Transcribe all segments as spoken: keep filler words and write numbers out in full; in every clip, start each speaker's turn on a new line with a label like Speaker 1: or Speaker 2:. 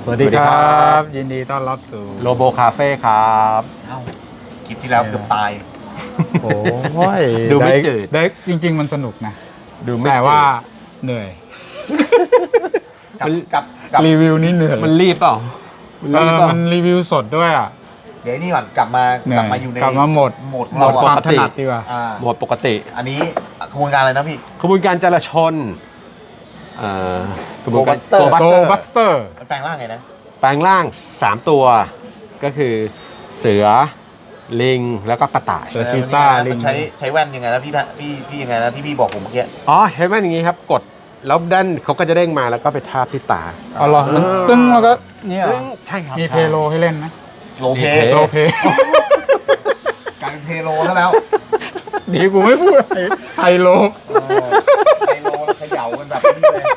Speaker 1: สวัสดีครับยินดีต้อนรับสู่
Speaker 2: โลโบคาเฟ่ครับ
Speaker 3: เอ้าคลิปที่แล้วเกือบตาย
Speaker 1: โอ้ย
Speaker 2: ดูไม่จืด
Speaker 1: ได้จริงๆมันสนุกนะดูแต่ว่าเหนื่อย
Speaker 3: กับกับกับ
Speaker 1: รีวิวนี่เหนื่อย
Speaker 2: มันรีบเปล่า
Speaker 1: เออมันรีวิวสดด้วยอ่ะ
Speaker 3: เดี๋ยวนี่ก่อนกลับมากลับมาอยู่ใน
Speaker 1: กลับมาหมด
Speaker 3: หมด
Speaker 1: หมดความถนัดดีกว่า
Speaker 2: หมดปกติ
Speaker 3: อันนี้ขบวนการอะไรนะพี่
Speaker 2: ขบวนการจราชนเอ่อกระบวนการ
Speaker 1: โกบัสเตอร์
Speaker 3: แปลงร่างไงนะ
Speaker 2: แปลงร่างสามตัวก็คือเสือลิงแล้วก็กระต่าย
Speaker 1: เสือชีต้าลิง
Speaker 3: ใช้ใช้แว่นยังไงนะพี่พี่พี่ยังไงนะที่พี่บอกผมเมื่อกี้
Speaker 2: อ๋อใช้แว่นอย่างงี้ครับกดแล้วด้านเขาก็จะเด้งมาแล้วก็ไปทาบที่ตา
Speaker 1: อ๋อเหรอมันตึ้งแล้วก็เนี่ย
Speaker 2: ใช่ครับ
Speaker 1: มีเพโลให้เล่นไหม
Speaker 3: โลเพ
Speaker 1: โลเพ
Speaker 3: กลายเป็นเพโลแล้วแล้ว
Speaker 1: ดีกูไม่พูดไฮโล
Speaker 3: ไฮโลแล้วเขย่ากันแบบนี้เลย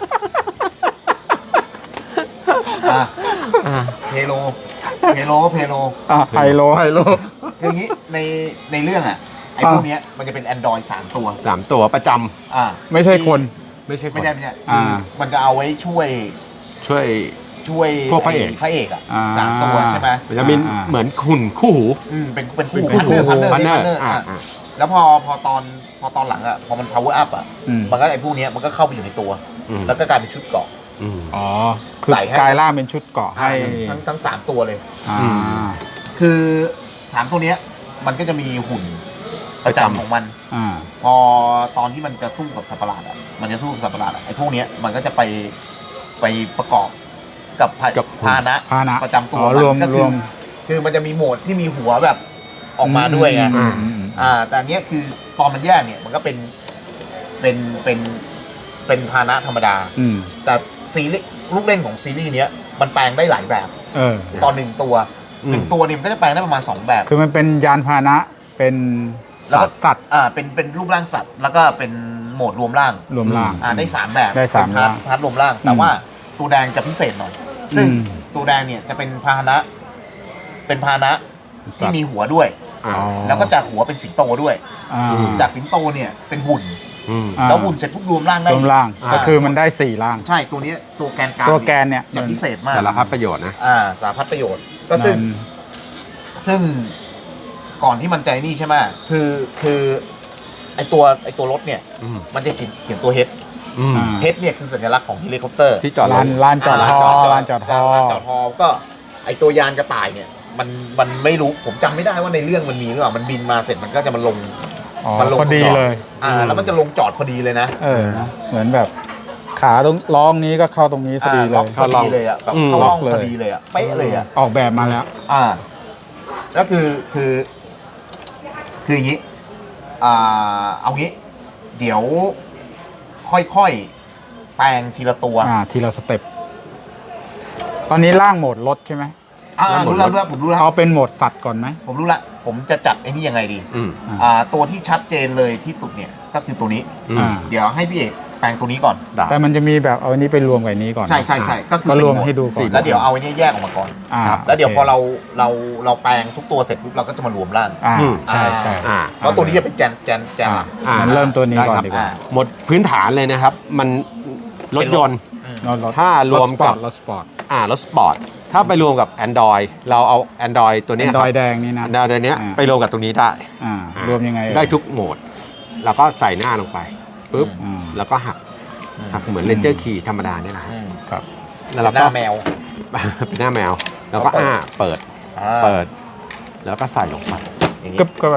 Speaker 3: อ่ะเพโลเพโลเพโล
Speaker 1: อ่ะไฮโลไฮโล
Speaker 3: คืออย่างนี้ในในเรื่องอ่ะไอ้พวกนี้มันจะเป็น Android สามตัว
Speaker 2: สามตัวประจำ
Speaker 3: อ่า
Speaker 1: ไม่ใช่คน
Speaker 2: ไม่ใช่
Speaker 3: ไม่ใช่ไม่ใช่คือมันจะเอาไว้ช่วย
Speaker 2: ช่วย
Speaker 3: ช่วย
Speaker 2: พวกพระเอก
Speaker 3: พระเอกอ่ะสามตัวใช่ไหม
Speaker 2: มันจะมีเหมือนหุ่นคู่หู
Speaker 3: อืมเป็นเป็นคู่พันเนอร์พันเนอร์พันเนอร์อ่ะแล้วพอพอตอนพอตอนหลังอ่ะพอมัน power up อ่ะมันก็ไอ้พวกนี้มันก็เข้าไปอยู่ในตัวแล้วก็กลายเป็นชุดเกราะ
Speaker 1: อ๋อคือกลายร่างเป็นชุดเกราะให้
Speaker 3: ทั้งทั้งสามตัวเลย
Speaker 1: อ่า
Speaker 3: คือสามตัวเนี้ยมันก็จะมีหุ่นประจำของมัน
Speaker 1: อ่า
Speaker 3: พอตอนที่มันจะสู้กับสัตว์ประหลาดอ่ะมันจะสู้กับสัตว์ประหลาดอ่ะไอ้พวกเนี้ยมันก็จะไปไปประกอบกับพาหนะประจำตัวมันก็คือคือมันจะมีโหมดที่มีหัวแบบออกมาด้วยไงอ่าแต่อันเนี้ยคือตอนมันแยกเนี่ยมันก็เป็นเป็นเป็นเป็นพาหนะธรรมดาแต่ซีรีส์ลูกเล่นของซีรีส์เนี้ยมันแปลงได้หลายแบบตอนหนึ่งตัวหนึ่งตัวนี่มันก็จะแปลงได้ประมาณสองแบบ
Speaker 1: คือมันเป็นยานพาหนะเป็นสัตว์
Speaker 3: อ่าเป็นเป็นรูปร่างสัตว์แล้วก็เป็นโหมดรวมร่าง
Speaker 1: รวมร่าง
Speaker 3: อ่าได้สามแบบ
Speaker 1: ได้สามร่าง
Speaker 3: พาร์ทรวมร่างแต่ว่าตัวแดงจะพิเศษหน่อยซึ่งตัวแดงเนี่ยจะเป็นพาหนะเป็นพาหนะที่มีหัวด้วยแล้วก็จากหัวเป็นสิงโตด้วยจากสิงโตเนี่ยเป็นหุ่นแล้วหุ่นเสร็จปุ๊บรวมร่างได้
Speaker 1: รวมร่างก็คือมันได้สี่ร่าง
Speaker 3: ใช่ตัวนี้ตัวแกนกลาง
Speaker 1: ตัวแกนเนี่ย
Speaker 3: จะพิเศษมาก
Speaker 2: สารพัดประโยชน์นะ
Speaker 3: อ่าสารพัดประโยชน์ก็ซึ่งซึ่งก่อนที่มันใจนี่ใช่ไหมคือคือไอตัวไอตัวรถเนี่ยมันจะเขียนตัวเฮดเฮดเนี่ยคือสัญลักษณ์ของเฮลิคอปเตอร์
Speaker 2: ที่จอด
Speaker 1: ลานลานจอดฮอลานจอดฮอ
Speaker 3: ลานจอดฮอก็ไอตัวยานกระต่ายเนี่ยมันมันไม่รู้ผมจำไม่ได้ว่าในเรื่องมันมีหรือเปล่ามันบินมาเสร็จมันก็จะมาลง
Speaker 1: มันลงพอดีเลย
Speaker 3: อ่าแล้วมันจะลงจอดพอดีเลยนะ
Speaker 1: เออเหมือนแบบขาตรงล้องนี้ก็เข้าตรงนี้พอดีเลย
Speaker 3: พอดีเลยอ่ะแบบเข้าล่องพอดีเลยอ่ะเป๊ะเลยอ่ะ
Speaker 1: ออกแบบมาแล้ว
Speaker 3: อ่าแล้วคือคือคืออย่างนี้อ่าเอางี้เดี๋ยวค่อยๆแปลงทีละตัว
Speaker 1: อ่าทีละสเต็ปตอนนี้ร่างโหมดรถใช่ไหม
Speaker 3: อ่ารู้แล้วรู้แล้วผมรู้แล้ว
Speaker 1: เอาเป็นโหมดสัตว์ก่อนไหม
Speaker 3: ผมรู้ละผมจะจัดไอ้นี่ยังไงดีอ่าตัวที่ชัดเจนเลยที่สุดเนี่ยก็คือตัวนี้เดี๋ยวให้พี่เอกแปลงตัวนี้ก่อน
Speaker 1: แต่มันจะมีแบบเอาอันนี้ไปรวมกับนี้ก่อน
Speaker 3: ใช่ใช่ใช่ก็คือ
Speaker 1: รวมให้ดูก่อน
Speaker 3: แล้วเดี๋ยวเอาอันนี้แยกออกมาก่อนแล้วเดี๋ยวพอเราเราเราแปลงทุกตัวเสร็จปุ๊บเราก็จะมารวมร่าง
Speaker 1: ใช่ใช่
Speaker 3: เพราะตัวนี้จะเป็นแกนแกนแกนหลัก
Speaker 1: เริ่มตัวนี้ก่อนดีกว่า
Speaker 2: หมดพื้นฐานเลยนะครับมันรถยนต์ถ้ารวมกับ
Speaker 1: รถสปอร์ต
Speaker 2: อ่ารถสปอร์ตถ้าไปรวมกับ Android เราเอา Android ตัวนี้
Speaker 1: Android แดงนี่นะ
Speaker 2: Android ตัวนี้ไปรวมกับตรงนี้ได้
Speaker 1: รวมยังไง
Speaker 2: ได้ทุกโหมดเราก็ใส่หน้าลงไปปุ๊บแล้วก็หักหักเหมือนเลนเจอร์คีย์ธรรมดาเนี่ยนะครับ
Speaker 3: แล้วเราก็หน้าแมว
Speaker 2: เป็นหน้าแมวแล้วก็อ้าเปิดเปิดแล้วก็ใส่ลงไป
Speaker 1: กึ๊บก็ไป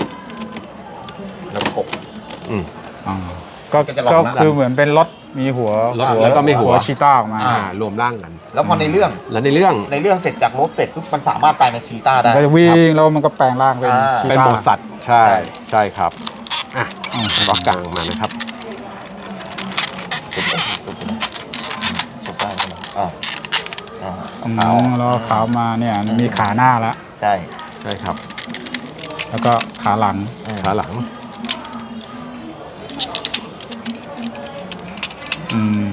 Speaker 3: แล้วกบ
Speaker 1: อืมก็ก็คือเหมือนเป็นรถมีหัว
Speaker 2: แล้วก็มีหัว
Speaker 1: ชีต้าออกม
Speaker 2: ารวมร่างกัน
Speaker 3: แล้วพอในเรื่อง
Speaker 2: แล้วในเรื่อง
Speaker 3: ในเรื่องเสร็จจากรถเสร็จปุ๊บมันสามารถแปลงเป็นชีต้าได้
Speaker 1: ก็จะวิ่งแล้วมันก็แปลงร่างเป็นชีต้า
Speaker 2: เป็นโหมดสัตว์ใช่ใช่ครับอ่ะก็กลางมานะครับ
Speaker 3: สุดได้อ่า
Speaker 1: อ่าแล้วขาวมาเนี่ยมีขาหน้าแล้ว
Speaker 3: ใช่
Speaker 2: ใช่ครับ
Speaker 1: แล้วก็ขาหลัง
Speaker 2: ขาหลัง
Speaker 1: อืม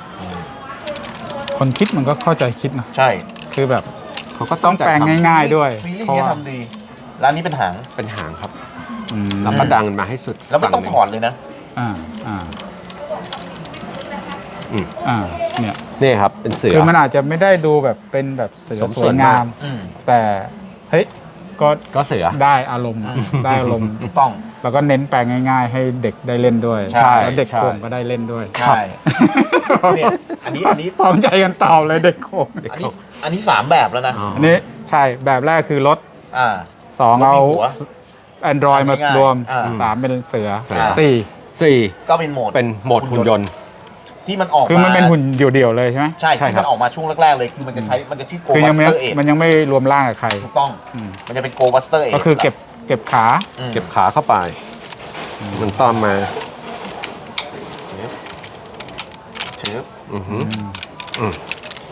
Speaker 1: คนคิดมันก็เข้าใจคิดนะ
Speaker 3: ใช่
Speaker 1: คือแบบเขาก็ต้องแปลงง่ายๆด้วย
Speaker 3: ซีรีส์นี้ทำดีร้านนี้เป็นหาง
Speaker 2: เป็นหางครับแล้วก็ดังมาให้สุด
Speaker 3: แล้วไม่ต้องถอดเลยนะ
Speaker 1: อ่าอ่า
Speaker 2: อืม
Speaker 1: อ่าเนี่ย
Speaker 2: นี่ครับเป็นเสือ
Speaker 1: คือมันอาจจะไม่ได้ดูแบบเป็นแบบเสือ
Speaker 2: สม
Speaker 1: ส
Speaker 2: ส่
Speaker 1: ว
Speaker 2: วน
Speaker 1: ย
Speaker 2: มาก
Speaker 1: งาม
Speaker 3: อืม
Speaker 1: แต่เฮ้ยก็
Speaker 2: ก็เสือ
Speaker 1: ได้อารมณ์
Speaker 3: อืม
Speaker 1: ได้อารมณ์
Speaker 3: ถูกต้อง
Speaker 1: แล้วก็เน้นแปลงง่าย ๆ ให้เด็กได้เล่นด้วย
Speaker 3: ใช่
Speaker 1: แล้วเด็ก
Speaker 2: ใช่
Speaker 1: โขงก็ได้เล่นด้วย
Speaker 3: ใช่เนี่ยอันนี้อันนี้
Speaker 1: พร้อมใจกันตอบเลยเด็กโขง
Speaker 3: อันนี้อันนี้สามแบบแล้วนะ
Speaker 2: อ๋อ
Speaker 1: อันนี้ใช่แบบแรกคือรถ
Speaker 3: อ่า
Speaker 1: สอง
Speaker 3: รถมี
Speaker 1: เอา
Speaker 3: หัว
Speaker 1: Android มา
Speaker 3: ง่ายๆ
Speaker 1: รวม
Speaker 3: อ่า
Speaker 1: สามเป็นเสือ
Speaker 2: เสือ
Speaker 1: สี่
Speaker 2: สี่
Speaker 3: ก็เป็นโหมด
Speaker 2: เป็นโหมดหุ่นยนต์
Speaker 3: ที่มันออก
Speaker 1: คือมัน
Speaker 3: มา
Speaker 1: เป็นหุ่นเดี่ยวๆเลยใช่ไหม
Speaker 3: ใช่
Speaker 2: ใช่
Speaker 3: ที่
Speaker 2: ครั
Speaker 3: มั
Speaker 2: บ
Speaker 3: นออกมาช่วงแรกๆเลยคือมันจะใช้มันจะชื่อ Go
Speaker 1: คือยังไม่
Speaker 3: Buster เอ็ด
Speaker 1: มันยังไม่รวมร่างกับใคร
Speaker 3: ถูกต้อง
Speaker 1: อืม
Speaker 3: มันจะเป็น Go Buster เอ็ด
Speaker 1: ก็คือเก็บเก็บขา
Speaker 3: อืม
Speaker 2: เก็บขาเข้าไป มันต้อมมา
Speaker 3: เชิบ
Speaker 2: อือหืออืม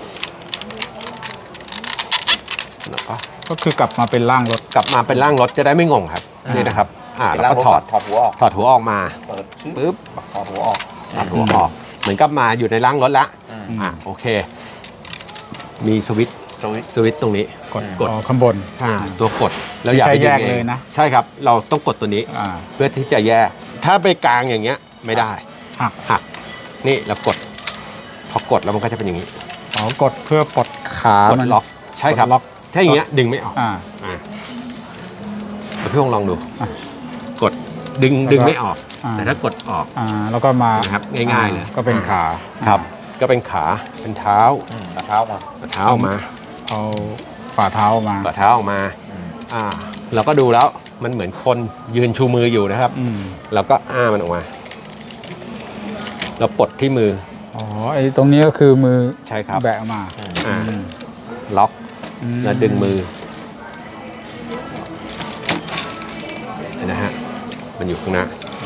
Speaker 2: แล้วก็
Speaker 1: ก็คือกลับมาเป็นร่างรถ
Speaker 2: กลับมาเป็นร่างรถจะได้ไม่งงครับนี่นะครับ อ่า
Speaker 3: เป็น
Speaker 2: แล้ว
Speaker 3: ร่าง
Speaker 2: ก็
Speaker 3: รถ
Speaker 2: ถอด
Speaker 3: ถอดหัวออก
Speaker 2: ถอดหัวออกมา
Speaker 3: เปิดชึบ
Speaker 2: ปึ๊บ
Speaker 3: ถอดหัวออก
Speaker 2: ถอดหัวออก เหมือนกับมาอยู่ในร่างรถแล้ว
Speaker 3: อืม
Speaker 2: อ่าโอเค มีสวิตช์
Speaker 3: สวิตช์
Speaker 2: สวิตช์ตรงนี้
Speaker 1: กด
Speaker 2: กด
Speaker 1: อ๋อข้างบน
Speaker 2: อ่าตัวกดแล้วอย่าไป
Speaker 1: ไม่ใช่
Speaker 2: ดึง
Speaker 1: แยก
Speaker 2: เอ
Speaker 1: เล
Speaker 2: ง
Speaker 1: ยนะ
Speaker 2: ใช่ครับ เราต้องกดตัวนี้
Speaker 1: อ่า
Speaker 2: เพื่อที่จะแยก ถ้าไปกลางอย่างเงี้ยไม่ได้
Speaker 1: หัก
Speaker 2: หัก นี่เรากด พอกดแล้วมันก็จะเป็นอย่างนี้
Speaker 1: อ๋อกดเพื่อปลดขาก
Speaker 2: ด
Speaker 1: มัน
Speaker 2: ล็อก ใช่ครับ
Speaker 1: กดล็อก
Speaker 2: ถ้าอย่างเงี้ยดึงไม่ออก
Speaker 1: อ่า
Speaker 2: อ่าเดี๋ยวพี่พงษ์ลองดู
Speaker 1: อ่ะ
Speaker 2: กดดึง
Speaker 1: แล้วก็
Speaker 2: ดึงไม่ออก
Speaker 1: อ่า
Speaker 2: แต่ถ้ากดออก
Speaker 1: อ่าแล้วก็มา
Speaker 2: นะครับง่ายๆเลย
Speaker 1: ก็เป็นขา
Speaker 2: ครับ ก็เป็นขา เป็นเท้า
Speaker 3: อืมเอาเท้ามา
Speaker 2: เท้าออกมา
Speaker 1: เอาฝ่าเท้ามา
Speaker 2: ฝ่าเท้าออกมา
Speaker 3: อืม
Speaker 2: อ่า เราก็ดูแล้ว มันเหมือนคนยืนชูมืออยู่นะครับ
Speaker 1: อืม
Speaker 2: เราก็อ้ามันออกมา เราปลดที่มือ
Speaker 1: อ๋อไอ้ตรงนี้ก็คือมือ
Speaker 2: ใช่ครับ
Speaker 1: แบะออกมา
Speaker 3: อืม
Speaker 2: อ่า
Speaker 1: อืม
Speaker 2: ล็อก
Speaker 1: อืม
Speaker 2: แล้วดึงมือเห็นนะฮะ มันอยู่ข้างหน้า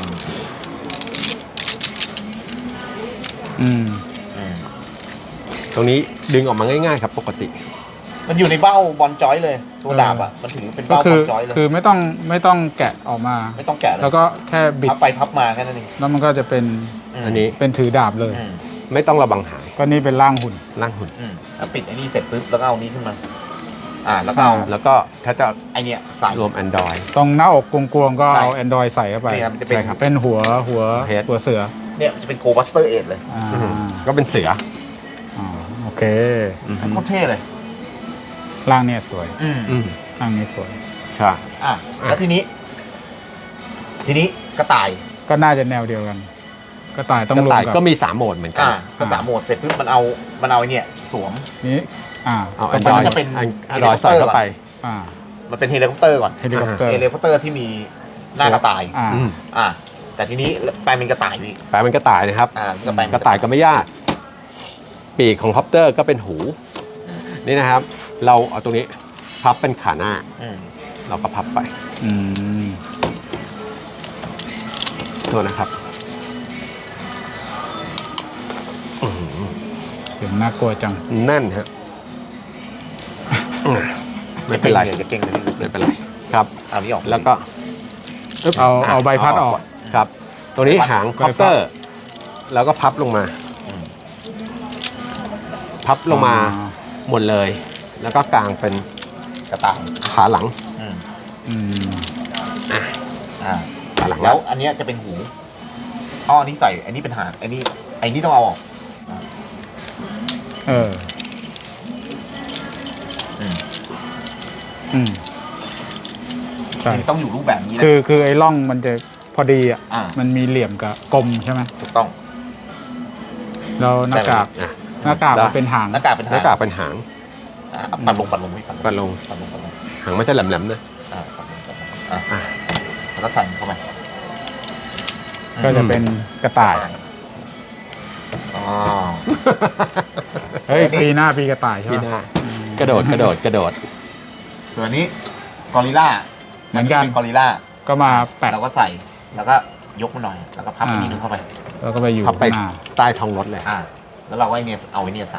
Speaker 1: อืม
Speaker 3: อืม
Speaker 2: ตรงนี้ดึงออกมาง่ายๆครับ ปกติ
Speaker 3: มันอยู่ในเบ้าบอลจอยเลย ตัวดาบอ่ะมันถือเป็น
Speaker 1: ก็
Speaker 3: เบ้า
Speaker 1: คื
Speaker 3: บอ
Speaker 1: อ
Speaker 3: ลจอยเลย
Speaker 1: คือไม่ต้องไม่ต้องแกะออกมา
Speaker 3: ไม่ต้องแกะเลย
Speaker 1: แล้วก็แค่บิด
Speaker 3: พับไปพับมาแค่นั้นเอง
Speaker 1: แล้วมันก็จะเป็น
Speaker 3: ม
Speaker 2: อันนี้
Speaker 1: เป็นถือดาบเลย
Speaker 3: อืม
Speaker 2: ไม่ต้องระบังหาย
Speaker 1: ก็นี่เป็นร่างหุ่น
Speaker 2: ล่างหุ่น
Speaker 3: อืมแล้วปิดไอ้นี่เสร็จปุ๊บแล้วก็เอานี้ขึ้นมา อ่า แล้วก็เอา
Speaker 1: อ่า
Speaker 2: แล้วก็ถ้าจะ
Speaker 3: ไอเนี้ยใส่
Speaker 2: รวม Android
Speaker 1: ตรงหน้าอกกวงๆก็
Speaker 3: ใช่
Speaker 1: เอา Android ใส่เข้าไป
Speaker 3: เนี่ยมันจะเป็น
Speaker 1: ใช่ครับเป็นหัวหัว
Speaker 2: เฮด
Speaker 1: หัวเสือ
Speaker 3: เนี่ยมันจะเป็น Go Buster เอ็ดเลย
Speaker 1: อ่า
Speaker 2: อืมก็เป็นเสือ
Speaker 1: อ่าโอเค
Speaker 2: อืม
Speaker 3: โคตรเท่เลย
Speaker 1: ร่างเนี่ยสวย
Speaker 3: อืม
Speaker 2: อืม
Speaker 1: ร่างนี้สวย
Speaker 2: ใช่
Speaker 3: อ่ะแล้วทีนี้ ทีนี้กระต่าย
Speaker 1: ก็น่าจะแนวเดียวกันกระต่ายต้อง
Speaker 2: กระ
Speaker 1: รวม
Speaker 2: ต่าย
Speaker 1: กับ
Speaker 2: ก็มีสามโหมดเหมือนกั
Speaker 3: อ่าน กระสามโหมดเสร็จปุ๊บมันเอามันเอาไอเนี่ยสวม
Speaker 1: นี้อ่า
Speaker 2: เอา
Speaker 1: ก็
Speaker 2: Android
Speaker 3: มันจะเป็น
Speaker 2: Android ใส่เข้าไป
Speaker 1: อ่า
Speaker 3: มันเป็นเฮลิคอปเตอร์ก่อน
Speaker 1: เฮลิคอปเตอร์
Speaker 3: เฮลิคอปเตอร์ที่มีหน้ากระต่าย
Speaker 1: อ่า
Speaker 2: อืม
Speaker 3: อ่า แต่ทีนี้แปลงเป็นกระต่ายพี่
Speaker 2: แปลเป็นกระต่ายนะครับ
Speaker 3: อ่าก็แปลง
Speaker 2: กระต่ายก็ไม่ยาก ปีกของคอปเตอร์ก็เป็นหู นี่นะครับ เราเอาตรงนี้พับเป็นขาหน้า
Speaker 3: อืม
Speaker 2: เราก็พับไป
Speaker 1: อืม
Speaker 2: โทษนะครับอื้อหือ
Speaker 1: เสียงน่ากลัวจัง
Speaker 2: แน่นฮะอืมไม่เป็นไร
Speaker 3: จะเก่งเลยจะ
Speaker 2: ไม่
Speaker 3: เก่งเลย
Speaker 2: เป็นไรครับ
Speaker 3: เอานี้ออก
Speaker 2: แล้วก็
Speaker 1: เอาเอาใบพัดออก
Speaker 2: ครับ ตรงนี้
Speaker 3: ใบพัด
Speaker 2: หางคอปเตอร์ แล้วก็พับลงมา
Speaker 3: อืม
Speaker 2: พับลงมาหมดเลย แล้วก็กางเป็น
Speaker 3: กระต่าย
Speaker 2: ขาหลัง
Speaker 3: อืม
Speaker 1: อืม
Speaker 2: อ่ะ
Speaker 3: อ่า
Speaker 2: ขาหลัง
Speaker 3: แล้ว อันเนี้ยจะเป็นหูอ๋ออันนี้ใส่ อันนี้เป็นหางอันนี้ไอ้นี่ต้องเอาออก
Speaker 1: เออ
Speaker 3: อืม
Speaker 1: อืมใช่
Speaker 3: มันต้องอยู่รูปแบบนี้นะ
Speaker 1: คือคือไอ้ร่องมันจะพอดีอ่ะ
Speaker 3: อ่า
Speaker 1: มันมีเหลี่ยมกับกลมใช่ไหม
Speaker 3: ถูกต้อง
Speaker 1: แล้วหน้ากาก
Speaker 2: อ่ะ
Speaker 1: หน้ากาก
Speaker 2: แล้ว
Speaker 1: มันเป็นหาง
Speaker 3: หน้ากากเป็น
Speaker 2: ห
Speaker 3: หา
Speaker 2: น้าง กากเป็นหาง
Speaker 3: อ่าปัดลงปัดลงไม่ปัด
Speaker 2: ปัดลง
Speaker 3: ปัดลงปัดลง
Speaker 2: หางมันจะแหลมๆนะ
Speaker 3: อ่าปัดลงปัดลงอ่า
Speaker 2: อ่ะ
Speaker 3: แล้วก็ใส่เข้าไป
Speaker 1: ก็จะเป็นกระต่าย
Speaker 3: อ๋อ
Speaker 1: เฮ้ย
Speaker 3: อันนี้
Speaker 1: ปีหน้าปีกระต่ายใช่
Speaker 2: พี่
Speaker 1: ไห
Speaker 2: ห
Speaker 1: ม
Speaker 2: น้า กระโดดกระโดดกระโดด
Speaker 3: ส่วนนี้กอริลล่า
Speaker 1: เหมือนกัน
Speaker 3: ป็กอริลล่า
Speaker 1: ก็มาแปะ
Speaker 3: เราก็ใส่ แล้วก็ยกมันหน่อย แล้วก็พับอันนี้นึงเข้าไป
Speaker 1: แล้วก็ไปอยู่
Speaker 2: พับไป
Speaker 1: ข้างหน้า
Speaker 2: ใต้ท้องรถเลย
Speaker 3: อ่า แล้วเราก็ไอเนี่ยเอาไอเนี่ยใส่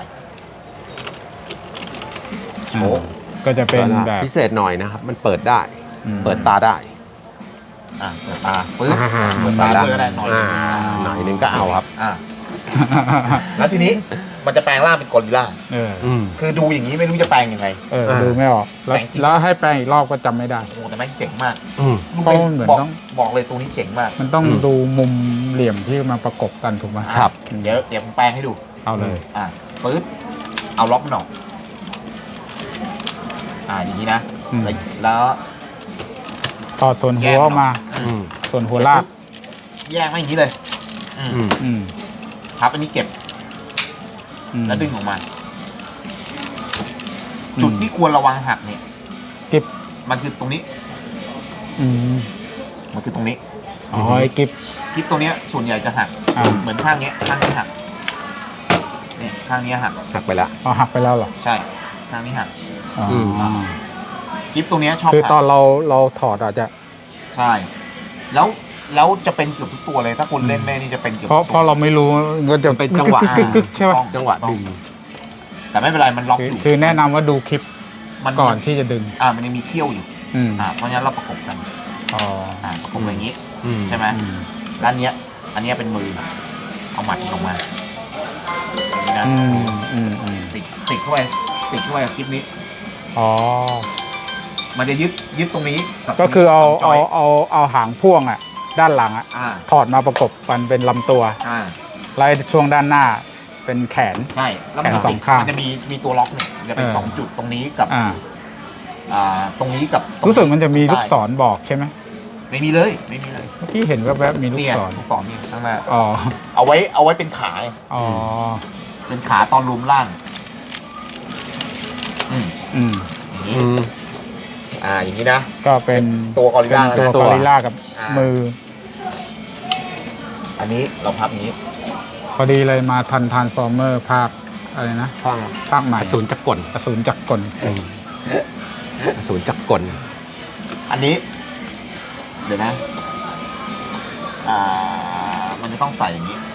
Speaker 1: อ่า
Speaker 3: โอ้
Speaker 1: ก็จะเป็นแบบ
Speaker 2: พิเศษหน่อยนะครับ มันเปิดได้
Speaker 1: อืม
Speaker 2: เปิดตาได้
Speaker 3: อ่าเปิดตาปึ๊บ
Speaker 2: อ่า
Speaker 3: เปิดตาด้วยก็ได้หน่อย
Speaker 2: อ่าหน่อยนึงก็เอาครับ
Speaker 3: อ่าแล้วทีนี้มันจะแปลงร่างเป็นกอริลลา
Speaker 1: เออ
Speaker 2: อืม
Speaker 3: คือดูอย่างนี้ไม่รู้จะแปลงยังไง
Speaker 1: เออ
Speaker 2: อ่า
Speaker 1: ดูไม่ออกแล้ว
Speaker 3: แปลงจริง
Speaker 1: แล้วให้แปลงอีกรอบก็จำไม่ได้
Speaker 3: โอ้แต่แม่งเจ๋งมาก
Speaker 2: อืม
Speaker 3: ลูก
Speaker 1: เพราะ
Speaker 3: เล่น
Speaker 1: มันเหมือน
Speaker 3: บอก
Speaker 1: ต้อง
Speaker 3: บอกเลยตัวนี้เจ๋งมาก
Speaker 1: มันต้อง
Speaker 2: อืม
Speaker 1: ดูมุมเหลี่ยมที่มาประกบกันถูกไหม
Speaker 2: ครับ
Speaker 3: เดี๋ยวเดี๋ยวผมแปลงให้ดู
Speaker 1: เอาเลย
Speaker 3: อ่าปึ๊บเอาล็อกมันออกอ่าอย่างนี้นะ
Speaker 1: อืม
Speaker 3: แล้วแล้ว
Speaker 1: ถอดส่วนหัวออกมา
Speaker 2: อืม
Speaker 1: ส่วนหัวลาก
Speaker 3: แยกมาอย่างนี้เลยอืม
Speaker 2: อืม
Speaker 1: อืม
Speaker 3: พับอันนี้เก็บ
Speaker 1: อืม
Speaker 3: แล้วดึงออกมา
Speaker 1: อืม
Speaker 3: จุดที่ควรระวังหักเนี่ย
Speaker 1: กิบ
Speaker 3: มันคือตรงนี้
Speaker 1: อืม
Speaker 3: มันคือตรงนี้
Speaker 1: อ๋อไอ้กิบ
Speaker 3: คลิปตัวเนี้ยส่วนใหญ่จะหัก
Speaker 1: อ่า
Speaker 3: เหมือนข้างเนี้ยข้างนี้หักเนี่ยข้างนี้หัก
Speaker 2: หักไปแล้ว
Speaker 1: เอาหักไปแล้วเหรอ
Speaker 3: ใช่ข้างนี้หัก
Speaker 1: อ๋อ
Speaker 2: ม
Speaker 3: คลิปตัวเนี้ยชอบ
Speaker 1: คือ
Speaker 3: หัก
Speaker 1: ตอนเราเราถอดอาจจะ
Speaker 3: ใช่ แล้วแล้วจะเป็นเกือบทุกตัวเลย ถ้าคุณเล่นแม่นี่จะเป็นเกือบ
Speaker 1: เพราะ
Speaker 3: ทุก
Speaker 1: เพ
Speaker 3: ตัว
Speaker 1: ราะเราไม่รู้ก็จะ
Speaker 2: เป็นจังหวะ
Speaker 1: กึกกึกกึกใช่ป่ะ
Speaker 3: ต้อง
Speaker 2: จังหวะดึง
Speaker 3: แต่ไม่เป็นไรมันล็อก
Speaker 1: คือ
Speaker 3: อยู่
Speaker 1: คือแนะนำว่าดูคลิป
Speaker 3: มัน
Speaker 1: ก่อนที่จะดึง
Speaker 3: อ่ามันยังมีเขี้ยวอยู่
Speaker 1: อืม
Speaker 3: อ่าเพราะฉะนั้นเราประกบกัน
Speaker 1: อ๋อ
Speaker 3: อ่าประกบอย่างนี้
Speaker 2: อืม
Speaker 3: ใช่ไหม
Speaker 1: อืม
Speaker 3: แล้วอันเนี้ย อันเนี้ยเป็นมือเอาหมัดลงมาอย่างนี้นะ
Speaker 1: อืมอืมอืม
Speaker 3: ติดติดเข้าไปติดเข้าไปกับคลิปนี้
Speaker 1: อ๋อ
Speaker 3: มันจะยึดยึดตรงนี้บ
Speaker 1: ก็คือเอา
Speaker 3: สงจ
Speaker 1: เอา
Speaker 3: ย
Speaker 1: เอาเอาหางพ่วงอ่ะ ด้านหลังอ่ะ
Speaker 3: อ่า
Speaker 1: ถอดมาประกบกันเป็นลำตัว
Speaker 3: อ่า
Speaker 1: ไล่ช่วงด้านหน้าเป็นแขน
Speaker 3: ใช่แล้วมัน
Speaker 1: แขน
Speaker 3: จะ
Speaker 1: ส
Speaker 3: ติ
Speaker 1: อ
Speaker 3: ด
Speaker 1: งข้าง
Speaker 3: มันจะมีมีตัวล็อกเนี่ยจะเป็น
Speaker 1: เออ
Speaker 3: สองจุดตรงนี้กับ
Speaker 1: อ่า
Speaker 3: อ่าตรงนี้กับตง
Speaker 1: รู้สึกมันจะมีลูก
Speaker 3: ได้
Speaker 1: ศรบอกใช่ไหม
Speaker 3: ไม่มีเลยไม่มีเลย
Speaker 1: เมื่อกี้เห็นแวบๆมีลูก
Speaker 3: เนี่ย
Speaker 1: ศร
Speaker 3: ลูกศรนี่ข้างหน้า
Speaker 1: อ๋อ
Speaker 3: เอาไว้เอาไว้เป็นขาไง
Speaker 1: อ๋อ
Speaker 3: เป็นขาตอนรวมล่าง อืม
Speaker 1: อืม
Speaker 3: อย่างนี้
Speaker 2: อืม
Speaker 3: อ่าอย่างนี้นะ
Speaker 1: ก็เป็น
Speaker 3: ตัวกอริล
Speaker 1: เป็น
Speaker 3: ลา
Speaker 1: ตัว
Speaker 3: นะ
Speaker 1: กอริลลากับ
Speaker 3: อ่ามื
Speaker 1: มือ
Speaker 3: อันนี้เราพับอย่างนี้
Speaker 1: พอดีเลยมาทันทานฟอร์เมอร์ภาคอะไรนะ
Speaker 2: ข้าง
Speaker 1: ภาคใหม่
Speaker 2: อสูรจักรกล
Speaker 1: อสูรจักรกล
Speaker 2: อืมอสูรจักรกล
Speaker 3: อันนี้ เดี๋ยวนะ อ่า มันจะต้องใส่อย่างนี้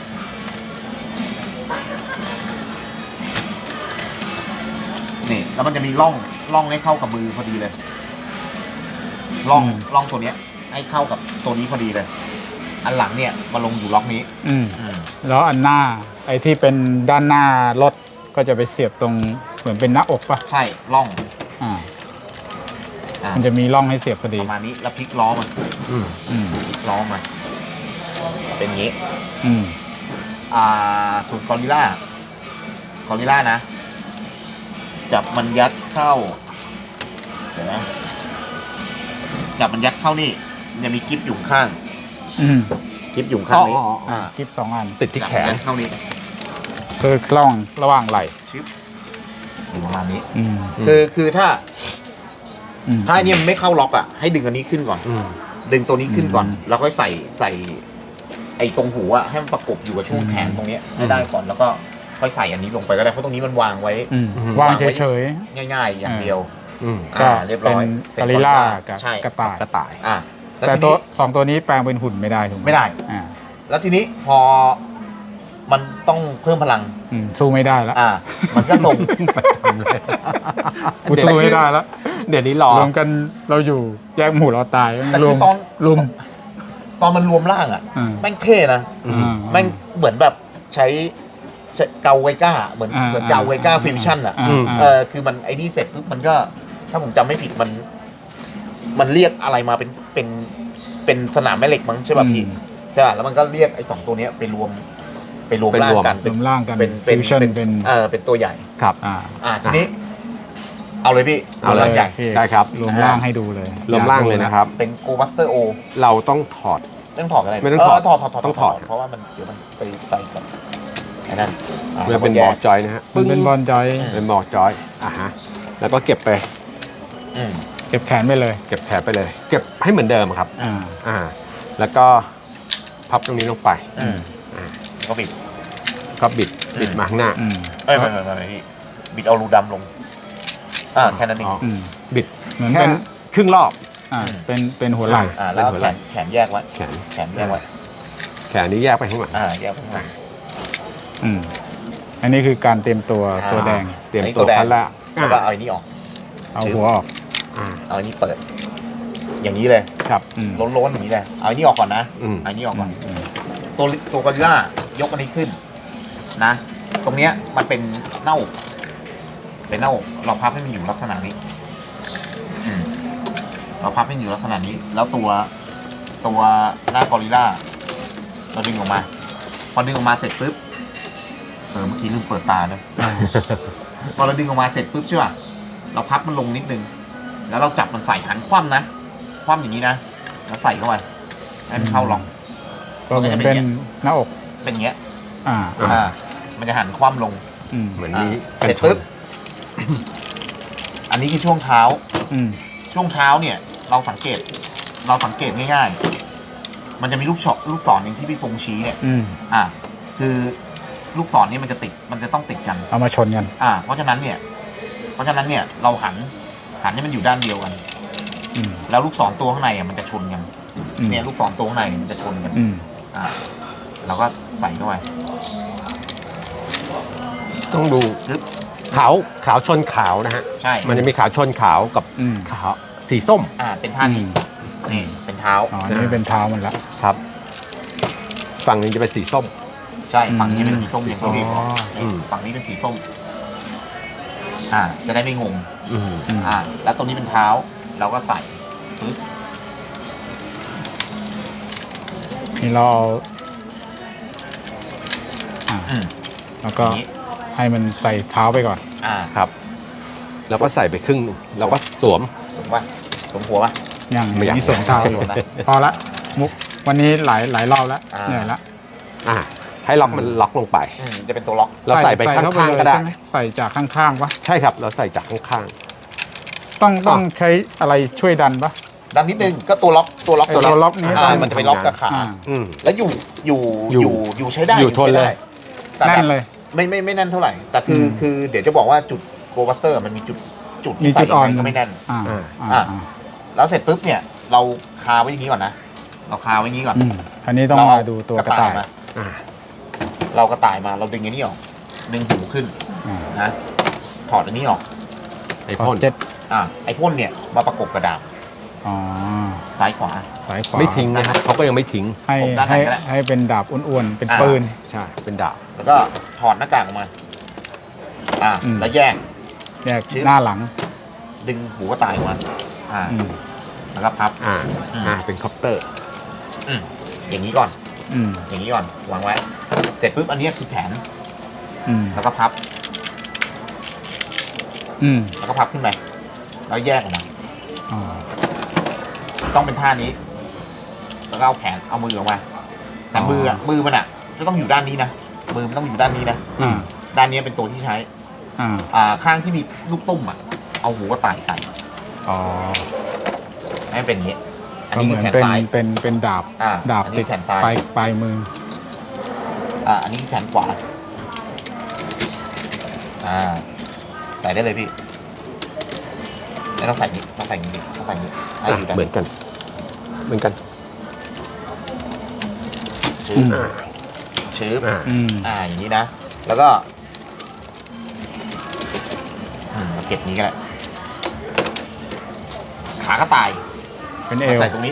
Speaker 3: นี่แล้วมันจะมีร่องร่องให้เข้ากับมือพอดีเลยร่องร่องตัวเนี้ย ให้เข้ากับตัวนี้พอดีเลย อันหลังเนี่ยมาลงอยู่ล็อกนี้
Speaker 1: อืม
Speaker 3: อืม
Speaker 1: แล้วอันหน้าไอ้ที่เป็นด้านหน้ารถก็จะไปเสียบตรงเหมือนเป็นหน้าอกป่ะ
Speaker 3: ใช่ร่อง
Speaker 1: อ่า
Speaker 3: อ่า
Speaker 1: มันจะมีร่องให้เสียบพอดี
Speaker 3: ประมาณนี้แล้วพลิกล้อมัน
Speaker 2: อืม
Speaker 1: อืม
Speaker 3: พลิกล้อมันเป็นอย่างนี้
Speaker 1: อืม
Speaker 3: อ่าส่วนกอริลลากอริลลานะ จับมันยัดเข้า เดี๋ยวนะจับมันยัดเข้านี่มันจะมีกิ๊บอยู่ข้าง
Speaker 1: อืม
Speaker 3: กิ๊บอยู่ข้างนี้
Speaker 2: อ๋ออ๋ออ๋อ
Speaker 3: อ่า
Speaker 1: คลิปสองอัน
Speaker 2: ติดที่แขน
Speaker 3: ยัดเข้านี่
Speaker 1: คือร่องระหว่างไหล่
Speaker 3: ชิปอยู่ประมาณนี้
Speaker 1: อืม
Speaker 2: อืม
Speaker 3: คือคือถ้า
Speaker 1: อืม
Speaker 3: ถ้าอันนี้มันไม่เข้าล็อกอ่ะให้ดึงอันนี้ขึ้นก่อน
Speaker 2: อืม
Speaker 3: ดึงตัวนี้ขึ้นก่อน
Speaker 1: อืม
Speaker 3: แล้วค่อยใส่ใส่ ไอ้ตรงหูอ่ะให้มันประกบอยู่กับช่วงแขนตรงเนี้ยให้ได้ก่อนแล้วก็ค่อยใส่อันนี้ลงไปก็ได้เพราะตรงนี้มันวางไว้
Speaker 1: อืม
Speaker 2: อืม
Speaker 1: วางเฉย
Speaker 3: ง่าย ๆ อย่างเดียว
Speaker 2: อืม
Speaker 1: ๆก็
Speaker 3: อ่าเรียบร้
Speaker 1: เป็น
Speaker 3: อย
Speaker 1: กอริลลากับ
Speaker 3: ใช่
Speaker 1: กระต่าย
Speaker 2: กระต่าย
Speaker 3: อ่าแล้ว
Speaker 1: แต่
Speaker 3: ที
Speaker 1: ตัว
Speaker 3: นี้
Speaker 1: สองตัวนี้แปลงเป็นหุ่นไม่ได้ถูกไหม
Speaker 3: ไม่ได้
Speaker 1: อ่า
Speaker 3: แล้วทีนี้พอมันต้องเพิ่มพลัง
Speaker 1: อืมสู้ไม่ได้แล้ว
Speaker 3: อ่า มันก็ส่ง
Speaker 1: กูสู้ไม่ได้แล้ว
Speaker 2: เดี๋ยวนี้รอ
Speaker 1: รวมกันเราอยู่แยกหมู่เราตาย
Speaker 3: แต่
Speaker 1: ร
Speaker 3: คื
Speaker 1: ว
Speaker 3: อ
Speaker 1: ม
Speaker 3: ตอน
Speaker 1: รวม
Speaker 3: ตอนมันรวมร่างอ่ะ
Speaker 1: อ่า
Speaker 3: แม่งเท่นะ
Speaker 2: อืม
Speaker 1: อ่า
Speaker 3: แม่งเหมือนแบบใช้ใช้เกาไวก้า เหมือน
Speaker 1: อ่า
Speaker 3: เหมือนเกาไวก้า
Speaker 1: อ่า
Speaker 3: ฟิวชั่นอ่ะ
Speaker 1: อ่า
Speaker 2: อืม
Speaker 3: เออคือมันไอ้นี่เสร็จปุ๊บมันก็ ถ้าผมจำไม่ผิดมัน มันเรียกอะไรมาเป็นเป็นเป็นสนามแม่เหล็กมั้งใช่ป่ะพี่
Speaker 1: อืม
Speaker 3: ใช่ป่ะแล้วมันก็เรียกไอ้สองตัวเนี้ยไปรวม ไปรวม
Speaker 2: ไปร
Speaker 3: ร่าง
Speaker 2: วม
Speaker 3: กัน
Speaker 1: รวมร่างกัน
Speaker 3: เป็นเป็น
Speaker 1: ฟิวชั่น
Speaker 3: เป็น
Speaker 1: เป็น
Speaker 3: เออเป็นตัวใหญ่
Speaker 2: ครับ
Speaker 1: อ่า
Speaker 3: อ่าทีนี้ เอาเลยพี่
Speaker 2: เอาเลย
Speaker 3: ร่างใหญ่
Speaker 1: พี่
Speaker 2: ได้ครับ
Speaker 1: รวมร่างให้ดูเลย
Speaker 2: รวมร่างเลยนะครับ
Speaker 3: เป็นโกบัสเตอร์โอ
Speaker 2: เราต้องถอด
Speaker 3: ต้องถอดอะไร
Speaker 2: ไม่ต้องถอด
Speaker 3: เถอดถอดถอด
Speaker 2: ต้องถอด
Speaker 3: เพราะว่ามันเดี๋ยวมันไปไปกับไอ้นั่นอ่า
Speaker 2: เพื่อเป็น
Speaker 3: แย
Speaker 2: บอก ร์ดจอยนะฮะ
Speaker 1: มันเป็นบอลจอย
Speaker 3: อืม
Speaker 2: เป็นบอร์ดจอยอ่ะฮะแล้วก็เก็บไป
Speaker 3: อืม
Speaker 1: เก็บแขนไปเลย
Speaker 2: เก็บแถบไปเลย เก็บให้เหมือนเดิมครับ
Speaker 1: อ่า
Speaker 2: อ่า แล้วก็พับตรงนี้ลงไป
Speaker 3: อืม
Speaker 2: อ่า
Speaker 3: ก็บิด
Speaker 2: ก็บิดบิดมาข้างหน้า
Speaker 1: อืม
Speaker 3: เอ้ยไม่ไม่ไม่ไม่พี่บิดเอารูดำลง อ่าแค่นั้นเอง
Speaker 2: อ๋อ
Speaker 1: อืม
Speaker 2: บิด
Speaker 1: เหมือน
Speaker 2: แค่
Speaker 1: เป็น
Speaker 2: ครึ่งรอบ
Speaker 1: อ่าเป็นเป็นหัวไหล่
Speaker 3: อ่าแล้วเอา
Speaker 2: เป็นหัว
Speaker 3: แข
Speaker 2: ไหล่
Speaker 3: นแขนแยกไว้
Speaker 2: แขน
Speaker 3: แขนแยกไว้
Speaker 2: แขนนี้แยกไปข้างหลัง
Speaker 3: อ่าแยกไว้ข้างหลัง
Speaker 1: อืมอันนี้คือการเตรียมตัว
Speaker 3: อ่า
Speaker 1: ตัวแดง
Speaker 2: เตรียม
Speaker 3: อันนี้
Speaker 2: ตัว
Speaker 3: ตัวแดง
Speaker 2: ขั้นแรก
Speaker 3: แล้วก็
Speaker 2: อ่า
Speaker 3: เอาอันนี้ออก
Speaker 1: เอาหัวออก
Speaker 2: อ่า
Speaker 3: เอาอันนี้เปิด อย่างนี้เลย
Speaker 2: ครับ
Speaker 1: อืม
Speaker 3: ล้นๆอย่างนี้เลยเอาอันนี้ออกก่อนนะ
Speaker 2: อืม
Speaker 3: เอาอันนี้ออกก่อน
Speaker 1: อืม
Speaker 3: ตัวตัวกอริลลายกอันนี้ขึ้นนะ ตรงเนี้ยมันเป็นหน้าอกเป็นหน้าอกเราพับให้มันอยู่ลักษณะนี้อืมเราพับให้มันอยู่ลักษณะนี้ แล้วตัวตัวหน้ากอริลล่าเราดึงออกมา พอดึงออกมาเสร็จปุ๊บเออเมื่อกี้ลืมเปิดตาเลยพอเราดึงออกมาเสร็จปุ๊บใช่ป่ะเราพับมันลงนิดนึงแล้วเราจับมันใส่หันคว่ำนะคว่ำอย่างนี้นะแล้วใส่เข้าไปให้มันเข้าล็อก
Speaker 1: ก็เหมือนเป็นหน้าอก
Speaker 3: เป็นอย่างเงี้ย
Speaker 1: อ่า
Speaker 3: อ่ามันจะหันคว่ำลง
Speaker 1: อืม
Speaker 2: เหมือน
Speaker 3: อ่า
Speaker 2: นี้
Speaker 3: เสร็จปุ๊บอันนี้คือช่วงเท้า
Speaker 1: อืม
Speaker 3: ช่วงเท้าเนี่ย เราสังเกต เราสังเกตง่ายๆ มันจะมีลูกช็อตลูกศรอย่างที่พี่ฟงชี้เนี่ย
Speaker 1: อืม
Speaker 3: อ่า คือลูกศรนี่มันจะติด มันจะต้องติดกัน
Speaker 1: เอามาชนกัน
Speaker 3: อ่า เพราะฉะนั้นเนี่ย เพราะฉะนั้นเนี่ย เราหัน หันให้มันอยู่ด้านเดียวกัน
Speaker 1: อืม
Speaker 3: แล้วลูกศรตัวข้างในอ่ะมันจะชนกัน
Speaker 1: อืม
Speaker 3: เนี่ยลูกศรตัวข้างในเนี่ยมันจะชนกัน
Speaker 1: อืม
Speaker 3: อ่า เราก็ใส่เข้าไป
Speaker 2: ต้องดู
Speaker 3: ปึ๊บ
Speaker 2: ขาวขาวชนขาวนะฮะ
Speaker 3: ใช่
Speaker 2: มันจะมีขาวชนขาวกับ
Speaker 1: อืม
Speaker 2: ขาวสีส้ม
Speaker 3: อ่า เป็นท่านี้ นี่ เป็นเท้า
Speaker 1: อ๋อ นี่เป็นเท้ามันละ
Speaker 2: ครับ ฝั่งนี้จะเป็นสีส้ม
Speaker 3: ใช่ ฝั่งนี้เป็นสีส้มอย่างที่พี่บอก
Speaker 2: อืม
Speaker 3: ฝั่งนี้เป็นสีส้ม อ่า จะได้ไม่งง
Speaker 2: อืม
Speaker 1: อืม
Speaker 3: อ่า แล้วตรงนี้เป็นเท้า เราก็ใส่ปึ๊บ
Speaker 1: นี่เราเอาอ่า
Speaker 3: อืม
Speaker 1: แล้วก็
Speaker 3: อย่างนี้
Speaker 1: ให้มันใส่เท้าไปก่อน
Speaker 3: อ่า
Speaker 2: ครับ แล้วก็ใส่ไปครึ่งหนึ่งแล้วก็สวม
Speaker 3: สมว่าสมหัวป่ะ
Speaker 1: อย่าง
Speaker 2: ไม่อยาก
Speaker 1: นี้ส่วนเท้า
Speaker 3: ไม่สนนะ
Speaker 1: พอละ มุก วันนี้หลายหลายรอบแล้ว
Speaker 3: อ่า
Speaker 1: เหนื่อยละ
Speaker 2: อ่า ให้ล็อกมันล็อกลงไป
Speaker 3: อืมจะเป็นตัวล็อก
Speaker 2: เราใส่ไปข้างๆ
Speaker 1: เข้
Speaker 2: ก็ได้
Speaker 1: ใช่หมใส่จากข้างๆปะ
Speaker 2: ใช่ครับ เราใส่จากข้าง
Speaker 1: ต้องต้องใช้อะไรช่วยดันปะ
Speaker 3: ดันนิดนึงก็ตัวล็อกตัวล็อก
Speaker 1: ไอ้ตัวล็อกนี้
Speaker 3: อ่า
Speaker 1: ต้อง
Speaker 3: มันจะไปล็อกกับขา
Speaker 1: อ่า
Speaker 2: ๆ อืม
Speaker 3: แล้วอยู่อยู่
Speaker 2: อยู่
Speaker 3: อยู่อยู่ใช้ได้
Speaker 2: อยู่ทนเลย
Speaker 3: ใช้ได้แต่
Speaker 1: แน่
Speaker 3: แบบ
Speaker 1: นเลย
Speaker 3: ไม่ไม่ไม่แน่นเท่าไหร่ แต่คืออ
Speaker 1: ม
Speaker 3: คือเดี๋ยวจะบอกว่าจุดโกบัสเตอร์มันมีจุดจุด
Speaker 1: มี
Speaker 3: ที่ใส่
Speaker 1: จุดอ่อน
Speaker 3: ยังไงก็ไม่แน่น
Speaker 1: อ่า
Speaker 2: อ่า
Speaker 1: อ่า
Speaker 3: อ่า
Speaker 1: อ่า
Speaker 3: แล้วเสร็จปุ๊บเนี่ย เราคาไว้อย่างนี้ก่อนนะ เราคาไว้อย่างนี้ก่อน
Speaker 1: อืมอันนี้ต้อง
Speaker 3: เร
Speaker 1: มาดูตัวกระต่าย
Speaker 3: มา
Speaker 2: อ่า
Speaker 3: เรากระต่ายมาเราดึงอันนี้ออกดึงหูขึ้น
Speaker 1: อ่า
Speaker 3: นะถอดอันนี้ออก
Speaker 2: ไอ้
Speaker 1: พอ
Speaker 2: พ่น
Speaker 1: เจ็ด
Speaker 3: อ่าไอ้พ่นเนี่ยมาประกบกระดาษ
Speaker 1: อ๋อ
Speaker 3: ซ้ายขวา
Speaker 1: สายขวา
Speaker 2: ไม่ทิ้งนะครับเขาก็ยังไม่ทิ้ง
Speaker 1: ให้
Speaker 3: ผมด้านไหน
Speaker 1: ให้
Speaker 3: ก็ได้
Speaker 1: ให้เป็นดาบอ้วนๆ เป็น
Speaker 3: อ่า
Speaker 1: ปืน
Speaker 2: ใช่ เป็นดาบ
Speaker 3: แล้วก็ถอดหน้ากากออกมา อ่า
Speaker 1: อืม
Speaker 3: แล้วแยก
Speaker 1: แยก
Speaker 3: ชิบ
Speaker 1: หน้าหลัง
Speaker 3: ดึงหูกระต่ายออกมา อ่า
Speaker 1: อืม
Speaker 3: แล้วก็พับ
Speaker 2: อ่า
Speaker 3: อืม
Speaker 2: อ่า เป็นคอปเตอร์
Speaker 3: อืมอย่างนี้ก่อน
Speaker 1: อืม
Speaker 3: อย่างนี้ก่อน วางไว้ เสร็จปุ๊บอันนี้คือแขน
Speaker 1: อืม
Speaker 3: แล้วก็พับ
Speaker 1: อืม
Speaker 3: แล้วก็พับขึ้นไป แล้วแยกออกมา
Speaker 1: อ๋อ
Speaker 3: ต้องเป็นท่านี้ แล้วก็เอาแขน เอามือออกมา แต่มืออ่ะ มือมันอ่ะ จะต้องอยู่ด้านนี้นะ มือมันต้องอยู่ด้านนี้นะ
Speaker 1: อ่า
Speaker 3: ด้านนี้เป็นตัวที่ใช้
Speaker 1: อ่า
Speaker 3: อ่า ข้างที่มีลูกตุ้มอ่ะ เอาหูกระต่ายใส่
Speaker 1: อ๋อ
Speaker 3: ให้มันเป็นอย่างนี้ อัน
Speaker 1: ก็
Speaker 3: นี้
Speaker 1: เห
Speaker 3: คื
Speaker 1: มื
Speaker 3: อ
Speaker 1: อน
Speaker 3: แขน
Speaker 1: เป็น
Speaker 3: ซ้าย
Speaker 1: เป็นเป็นดาบ
Speaker 3: อ่า
Speaker 1: ดาบ
Speaker 3: อัน
Speaker 1: ติ
Speaker 3: นี้
Speaker 1: ด
Speaker 3: แขนซ้าย
Speaker 1: ปลายปลายมือ
Speaker 3: อ่า อันนี้คือแขนขวา อ่า ใส่ได้เลยพี่ไม่ต้องใส่นี้ต้องใส่นี้ต้องใส่นี้ให้อยู่ด้าน
Speaker 2: เหมือนกัน เหมือนกัน
Speaker 3: ชื้
Speaker 1: อื
Speaker 3: อ
Speaker 1: ม
Speaker 2: อ่า
Speaker 3: ชื้อ
Speaker 2: อ่า
Speaker 1: อืม
Speaker 3: อ่า อย่างนี้นะ แล้วก็อืมเราเก็บนี้ก็ได้ขากระต่าย
Speaker 1: เป็นเอ
Speaker 3: มาว ใส่ตรงนี้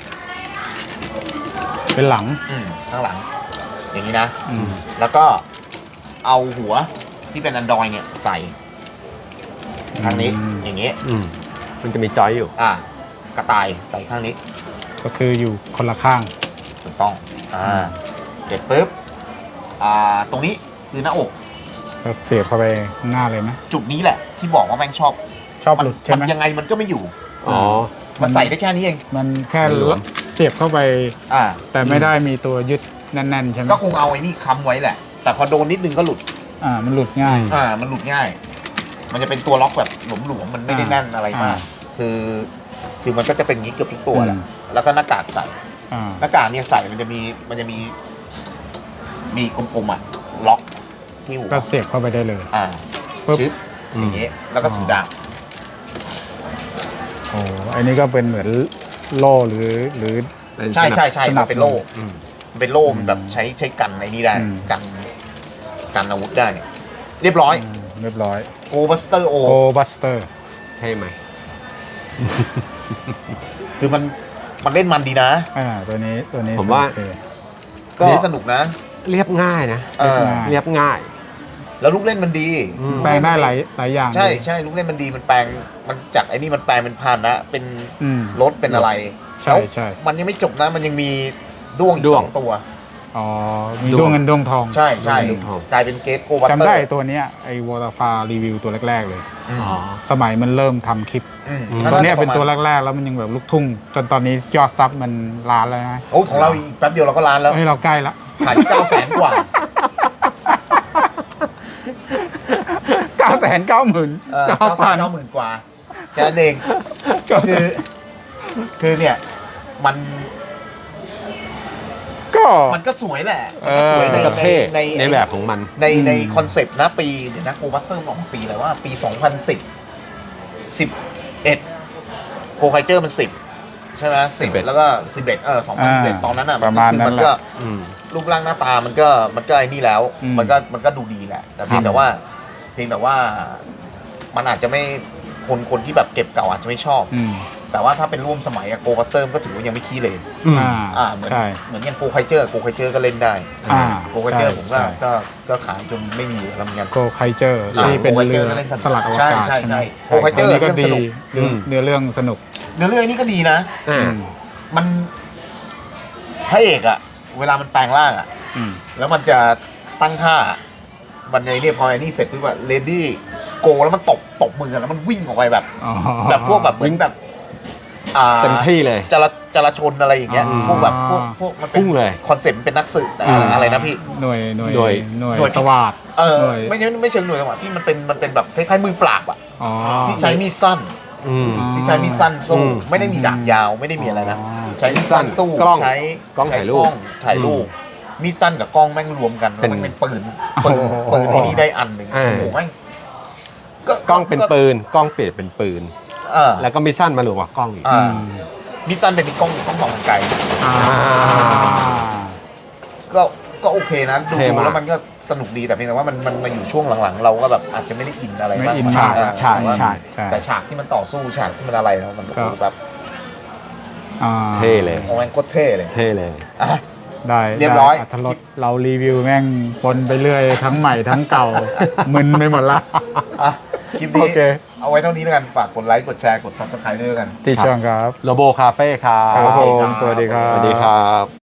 Speaker 1: เป็นหลัง
Speaker 3: อืมข้างหลัง อย่างนี้นะ
Speaker 1: อืม
Speaker 3: แล้วก็เอาหัวที่เป็นอันดรอยเนี่ยใส่ข้างนี้
Speaker 1: อืม
Speaker 3: อย่างนี้
Speaker 2: อืม มันจะมีจอยอยู่
Speaker 3: อ่า กระต่ายใส่ข้างนี้
Speaker 1: ก็คืออยู่คนละข้าง
Speaker 3: ถูกต้อง อ่า เสร็จปุ๊บ อ่า ตรงนี้คือหน้าอก
Speaker 1: ก็เสียบเข้าไปข้างหน้าเลยไหม
Speaker 3: จุดนี้แหละ ที่บอกว่าแม่งชอบ
Speaker 1: ชอบ
Speaker 3: มัน
Speaker 1: หลุดใช่
Speaker 3: มัน
Speaker 1: ไหม
Speaker 3: ยังไงมันก็ไม่อยู่
Speaker 2: อ๋อ
Speaker 3: มันใส่ได้แค่นี้เอง
Speaker 1: มันแค่
Speaker 2: มันหลวม
Speaker 1: เสียบเข้าไป
Speaker 3: อ่า
Speaker 1: แต่ไม่ได้มีตัวยึดแน่นๆใช่ไหม
Speaker 3: ก็คงเอาไอ้นี่ค้ำไว้แหละ แต่พอโดนนิดนึงก็หลุด
Speaker 1: อ่า มันหลุดง่าย
Speaker 3: อ่า มันหลุดง่าย มันจะเป็นตัวล็อกแบบหลวมๆ มันไม่ได้แน่นอะไรมาก
Speaker 1: อ่า
Speaker 3: คือ คือมันก็จะเป็นอย่างนี้เกือบทุกตัวแหละ
Speaker 1: อืม
Speaker 3: แล้วก็หน้ากากใส่
Speaker 1: อ่า
Speaker 3: หน้ากากเนี่ยใส่มันจะมี มันจะมี มีกลมๆอ่ะ ล็อกที่หัว
Speaker 1: ก็เสียบเข้าไปได้เลย
Speaker 3: อ่า
Speaker 1: ปึ๊บ
Speaker 3: ชึบอย่างนี้ แล้วก็ถือดาบ
Speaker 1: โอ้อันนี้ก็เป็นเหมือนโล่หรือหรือ
Speaker 3: ใช่ใช่ใช่
Speaker 1: สนั
Speaker 3: มั
Speaker 1: บ
Speaker 3: นเป็นโล่
Speaker 2: อืม
Speaker 3: มันเป็นโล่มันแบบใช้ใช้กันไอ้นี่ได้
Speaker 1: อืม
Speaker 3: กัน กันอาวุธได้ เรียบร้อย
Speaker 1: อืมเรียบร้อย
Speaker 3: โกบัสเตอร์โอ
Speaker 1: โกบัสเตอร์
Speaker 2: ใช่ไหม
Speaker 3: คือมัน มันเล่นมันดีนะ
Speaker 1: อ่า ตัวนี้ตัวนี้
Speaker 2: ผมว่า
Speaker 1: โอเค
Speaker 3: ก็เล่นสนุกนะ
Speaker 2: เรียบง่ายนะ
Speaker 3: เออ
Speaker 2: เรียบง่าย
Speaker 3: แล้วลูกเล่นมันดี
Speaker 2: อืม
Speaker 1: แปลงได้หลายหลายอย่าง
Speaker 3: ใช่
Speaker 1: เลย
Speaker 3: ใช่ลูกเล่นมันดีมันแปลงมันจากไอ้นี่มันแปลงเป็นพาหนะเป็น
Speaker 1: อืม
Speaker 3: รถเป็นอะไร
Speaker 1: ใช่
Speaker 3: แล้ว
Speaker 1: ใช่
Speaker 3: มันยังไม่จบนะมันยังมีด้วงอีก
Speaker 2: ด้ว
Speaker 3: ส
Speaker 2: ง
Speaker 3: องตัว
Speaker 1: อ๋อ มี
Speaker 2: ดวง
Speaker 1: ดวงเงินดวงทอง
Speaker 3: ใช่ใช่
Speaker 2: ด้วงทอง
Speaker 3: กลายเป็นเกตโกวัตเตอร์
Speaker 1: จำได้ตัวเนี้ยไอ้วอลฟารีวิวตัวแรก ๆ เลย
Speaker 3: อืม
Speaker 2: อ๋อ
Speaker 1: สมัยมันเริ่มทำคลิป
Speaker 3: อืม
Speaker 2: อืม
Speaker 1: ตัวเนี้ยเป็นตัว
Speaker 3: แรก
Speaker 1: แรก ๆ แล้วมันยังแบบลูกทุ่ง จนตอนนี้ยอดซับมันล้านแล้วนะ
Speaker 3: โอ้ของเราอีกแป๊บเดียวเราก็ล้านแล้ว
Speaker 1: เฮ้ยเราใกล้ละ
Speaker 3: ขายเก้าแสนกว่า
Speaker 1: เก้าแสนเก้าหมื่น
Speaker 3: เออ
Speaker 1: เก้า
Speaker 3: เก้าแส
Speaker 1: พั
Speaker 3: น
Speaker 1: น
Speaker 3: เก้าหมื่นกว่าแค่นั้นเองก็คือ คือเนี่ย มัน
Speaker 1: ก็
Speaker 3: มันก็สวยแหละมันก็สวยใน
Speaker 2: ก็
Speaker 3: ใน
Speaker 2: เท่
Speaker 3: ใน
Speaker 2: ในแบบของมัน
Speaker 3: ในใน
Speaker 1: อืม
Speaker 3: คอนเซปต์นะปีเดี๋ยวนะโกวัตเตอร์ออกมาปีอะไรว่า ปีสองพันสิบ สิบเอ็ดโกไคเจอร์มันสิบใช่ไหมสิบ
Speaker 2: สิบเอ็ด
Speaker 3: แล้วก็สิบเอ็ดเออสองพันสิบเอ็ด
Speaker 1: อ่า
Speaker 3: ตอนนั้นอ่ะ
Speaker 1: ประมาณ
Speaker 3: คือ
Speaker 1: นั้น
Speaker 3: มัน
Speaker 1: แหละ
Speaker 3: ก็
Speaker 2: อืม
Speaker 3: รูปร่างหน้าตามันก็มันก็ไอ้นี่แล้ว
Speaker 1: อืม
Speaker 3: มันก็มันก็ดูดีแหละ แต่เพียงแต่ว่า เพียงแต่ว่ามันอาจจะไม่คนคนที่แบบเก็บเก่าอาจจะไม่ชอบ
Speaker 1: อืม
Speaker 3: แต่ว่าถ้าเป็นร่วมสมัยอะโกวัตเตอร์ก็ถือว่ายังไม่ขี้เลย
Speaker 2: อืม
Speaker 1: อ่า
Speaker 3: อ่าเหมือน
Speaker 1: ใช่
Speaker 3: เหมือนอย่างโกไคเจอร์โกไคเจอร์ก็เล่นได้
Speaker 1: อ่า
Speaker 3: โกไคเจอร์
Speaker 1: ใช่
Speaker 3: ผมก็
Speaker 1: ใช่
Speaker 3: ก็ก็ขายจนไม่มีแล้วเหมือนกัน
Speaker 1: โกไคเจอร์
Speaker 3: อ่า
Speaker 1: ที่เป็น
Speaker 3: โกไคเจ
Speaker 1: เรือ
Speaker 3: ร์ก็เล่น
Speaker 1: สลัดอว
Speaker 3: ใช่
Speaker 1: กาศ
Speaker 3: ใช่
Speaker 1: ใช่ไหม
Speaker 3: ใช่โกไคเจอร์
Speaker 1: นนี้ก็
Speaker 3: เรื่อง
Speaker 1: ดี
Speaker 3: สนุก
Speaker 1: เรื่อง
Speaker 2: อืม
Speaker 1: เนื้อเรื่องสนุก
Speaker 3: เนื้อเรื่องนี้ก็ดีนะ
Speaker 2: อ่า
Speaker 1: อืม
Speaker 3: มันพระเอกอะเวลามันแปลงร่างอะ
Speaker 1: อืม
Speaker 3: แล้วมันจะตั้งท่ามันในเนี่ยพอไอ้นี่เสร็จปุ๊บอะเลดี้โกแล้วมันตบตบมือกันแล้วมันวิ่งออกไปแบบ
Speaker 1: อ๋อ
Speaker 3: แบบพวกแบบเหมือนแบบอ่า
Speaker 2: เต็มที่เลย
Speaker 3: จราจราชนอะไรอย่างเงี้ย
Speaker 1: อ๋อ
Speaker 3: พวกแบบพวกพวกมันเป็น
Speaker 2: พุ่งเลย
Speaker 3: คอนเซ็ปต์มันเป็นนักสืบแต่อะไรอะไรนะพี่
Speaker 1: หน่วยหน่วย
Speaker 2: หน่วย
Speaker 1: หน่วย
Speaker 3: หน่วย
Speaker 1: สวัสด
Speaker 3: เออ
Speaker 1: หน่วย
Speaker 3: ไม่ใช่ไม่เชิงหน่วยจังหวะที่มันเป็นมันเป็นแบบคล้ายๆมือปราบอะ
Speaker 1: อ๋อ
Speaker 3: ที่ใช้มีดสั้น
Speaker 2: อืม
Speaker 1: อ๋อ
Speaker 3: ที่ใช้มีดสั้นสู้
Speaker 2: อืม
Speaker 3: ไม่ได้มีดาบยาวไม่ได้มีอะไรนะ
Speaker 1: อ๋อ
Speaker 3: ใช้มีดสั้นสู้
Speaker 2: กล้อง
Speaker 3: ใช้
Speaker 2: กล้องถ่ายรูป
Speaker 3: ใช้กล้องถ่ายรูปมีดสั้นกับกล้องแม่งรวมกันแล้ว
Speaker 2: เป็น
Speaker 3: มันเป็นปืนปืนปืนไอ้นี่ได้อันหนึ่ง
Speaker 2: อ่า
Speaker 3: โอ้โหแม่ง
Speaker 2: กล้องเป็นปืน กล้องเปลี่ยนเป็นปืน
Speaker 3: เออ
Speaker 2: แล้วก็มีสั้นมาหลวมกับกล้องอีก
Speaker 3: อ่า
Speaker 1: อืม
Speaker 3: มีดสั้นเป็นกล้องกล้องสองทางไกล
Speaker 1: อ่า
Speaker 3: ก็ก็โอเคนะดู
Speaker 2: เท่
Speaker 3: ดู
Speaker 2: มาก
Speaker 3: แล้วมันก็สนุกดีแต่เพียงแต่ว่ามันมันมาอยู่ช่วงหลังๆ เราก็แบบอาจจะไม่ได้อินอะไร
Speaker 1: ไม่
Speaker 3: มาก
Speaker 1: อิน
Speaker 3: มาย
Speaker 1: ฉาก
Speaker 3: เออ
Speaker 2: ใช่
Speaker 3: แต่ว่า
Speaker 2: ใช่
Speaker 1: ใช่
Speaker 3: แต่ฉากที่มันต่อสู้ฉากที่มันอะไรแล้วมัน
Speaker 1: ก็
Speaker 3: แบบ
Speaker 1: อ่า
Speaker 2: เท่เลย
Speaker 3: โอ้แม่งโคตรเท่เลย
Speaker 2: เท่เลย
Speaker 3: อ่ะ
Speaker 1: ได้
Speaker 3: เรียบร้อย
Speaker 1: ได้รสเรารีวิวแม่งปนไปเรื่อยทั้งใหม่ทั้งเก่า มึนไปหมดละ
Speaker 3: อ่ะคลิป
Speaker 1: โอ
Speaker 3: นี้
Speaker 1: เค
Speaker 3: เอาไว้เท่านี้แล้วกัน ฝากกดไลค์ กดแชร์ กด ซับสไครบ์ด้วยกัน
Speaker 1: ที่ช่องครับ
Speaker 2: โลโบคาเฟ่ครับ
Speaker 1: ครับผม สวัสดีครับ
Speaker 2: สวัสดีครับ